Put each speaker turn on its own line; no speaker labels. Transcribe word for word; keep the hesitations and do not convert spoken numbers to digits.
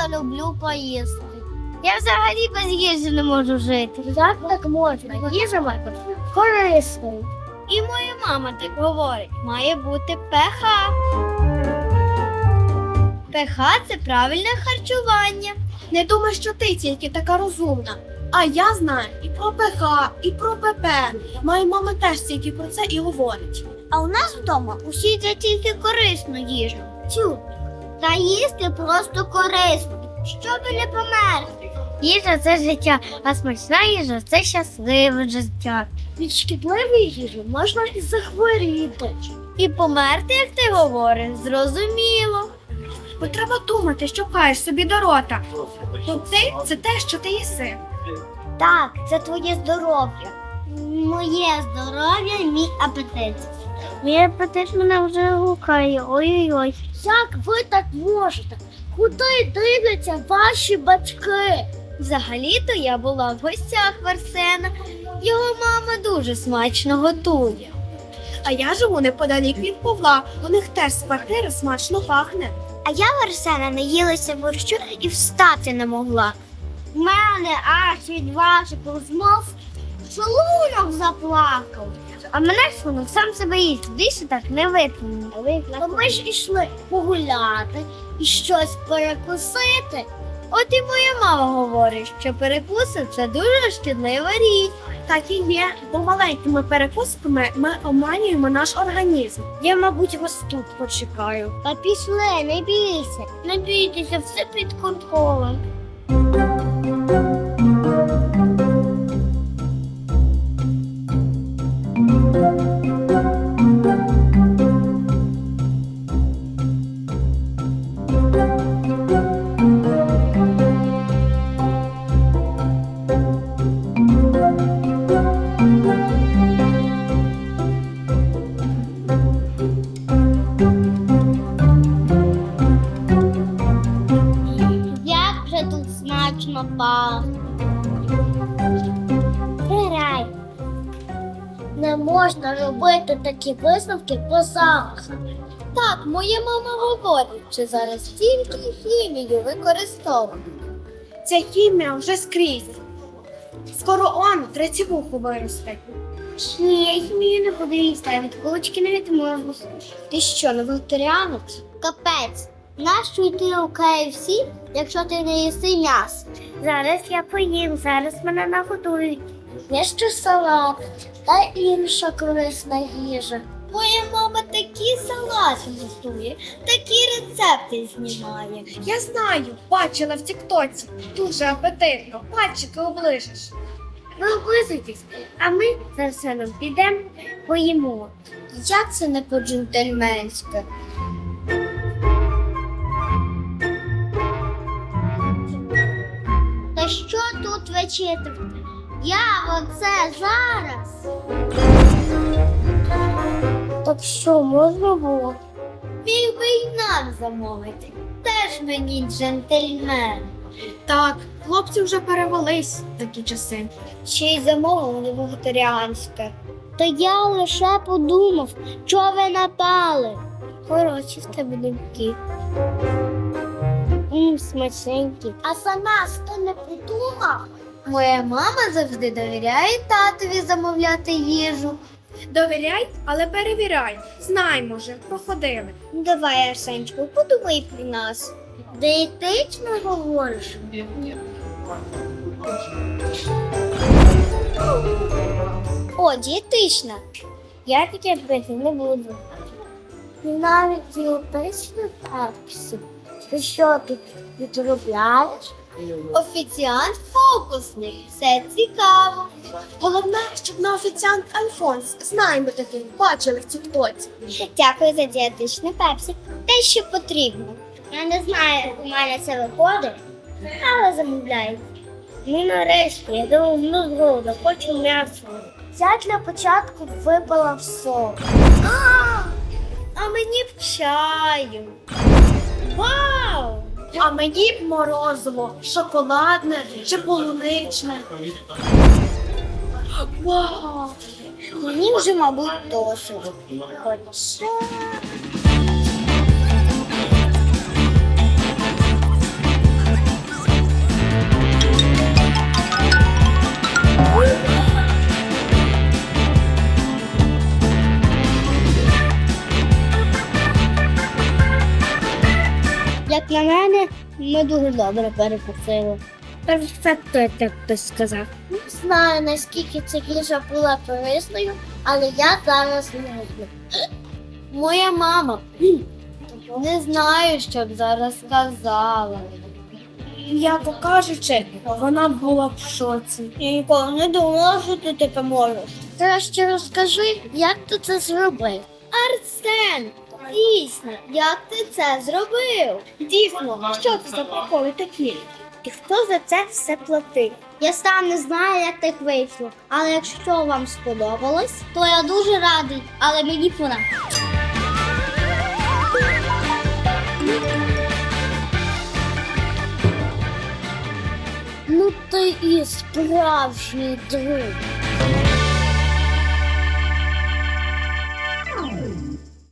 просто люблю поїсти. Я взагалі без їжі не можу жити. Як так можна? Їжа має бути корисною. І моя мама так говорить, має бути ПХ. ПХ – це правильне харчування.
Не думай, що ти тільки така розумна. А я знаю і про ПХ, і про ПП. Моя мама теж тільки про це і говорить.
А у нас вдома усі їдять тільки корисну їжу. Тю. Та їсти просто корисно, щоб не померти. Їжа – це життя, а смачна їжа – це щасливе життя.
Від шкідливої їжі можна і захворіти.
І померти, як ти говориш, зрозуміло.
Бо треба думати, що пхаєш собі до рота. Бо ти – це те, що ти їси.
Так, це твоє здоров'я. Моє здоров'я і мій апетит. Мій апетит мене вже гукає. Ой-ой-ой. Як ви так можете? Куди дивляться ваші батьки? Взагалі-то я була в гостях в Арсена. Його мама дуже смачно готує.
А я живу неподалік від Павла. У них теж з квартири смачно пахне.
А я в Арсена не їлася борщу і встати не могла. В мене аж від ваших розмов шлунок заплакав. А мене шлунок сам себе їсть, більше так не витримує. То ми ж ішли погуляти і щось перекусити. От і моя мама говорить, що перекуси – це дуже шкідлива річ.
Так і є, бо маленькими перекусками ми оманюємо наш організм.
Я, мабуть, вас тут почекаю. Та пішли, не бійся. Не бійтеся, все під контролем. Як же тут смачно пахне. Грай. Не можна робити такі висновки по запаху. Так, моя мама говорить, що зараз тільки хімію використовують.
Ця хімія вже скрізь. Скоро он третівуху виросте.
Ні, я хімію не буду їсти, я від кулички не відмовлюсь. Ти що, не вегетаріанець? Капець. Нащо йти у кей еф сі, якщо ти не їси м'ясо? Зараз я поїм, зараз мене нагодують. Є ще салат та інша корисна їжа. Моя мама такі салати готує, такі рецепти знімає.
Я знаю, бачила в тіктоці. Дуже апетитно, пальчики оближеш.
Ви облизуйтесь, а ми за Арсеном підемо, поїмо. Як це не по-джентльменськи? Та що тут вечеряти? Я оце зараз. Так що, можна було? Міг би й нам замовити. Теж мені джентльмен.
Так, хлопці вже перевелись в такі часи.
Ще й замовив не вегетаріанське. Та я лише подумав, що ви напали. Хороші в тебе думки. Мм, смачненькі. А сама ти не придумав? Моя мама завжди довіряє татові замовляти їжу.
Довіряй, але перевіряй. Знай, може, проходили.
Ну, давай, Арсенчику, подумай про нас. Диетично говориш? О, дієтична. Я таке пити не буду. Навіть дієтична пепсі. Ти що тут відробляєш? Офіціант фокусник. Все цікаво.
Головне, щоб на офіціант Альфонс. Знаємо таких, бачили в тіктоці.
Дякую за дієтичне пепсі. Те, що потрібно. Я не знаю, як у мене це виходить, але замовляю. Ну, нарешті, я давно з голоду, хочу м'ясо. Я для початку випила в сок. А, а мені б чаю. Вау!
А мені б морозиво, шоколадне чи полуничне. Вау!
Мені вже, мабуть, досить. Хоча... на мене, ми дуже добре перекусили. Перфекто, як так хтось сказав. Не знаю, наскільки ця їжа була корисною, але я зараз не можу. Моя мама. Не знаю, що б зараз сказала.
М'яко кажучи, вона була в шоці.
Я ніколи не думала, що ти таке можеш. Краще розкажи, як ти це зробив. Арсен, дійсно, як ти це зробив?
Дійсно, що це за приколи такі?
І хто за це все платив? Я сам не знаю, як так вийшло. Але якщо вам сподобалось, то я дуже радий, але мені пора. Ну ти і справжній друг.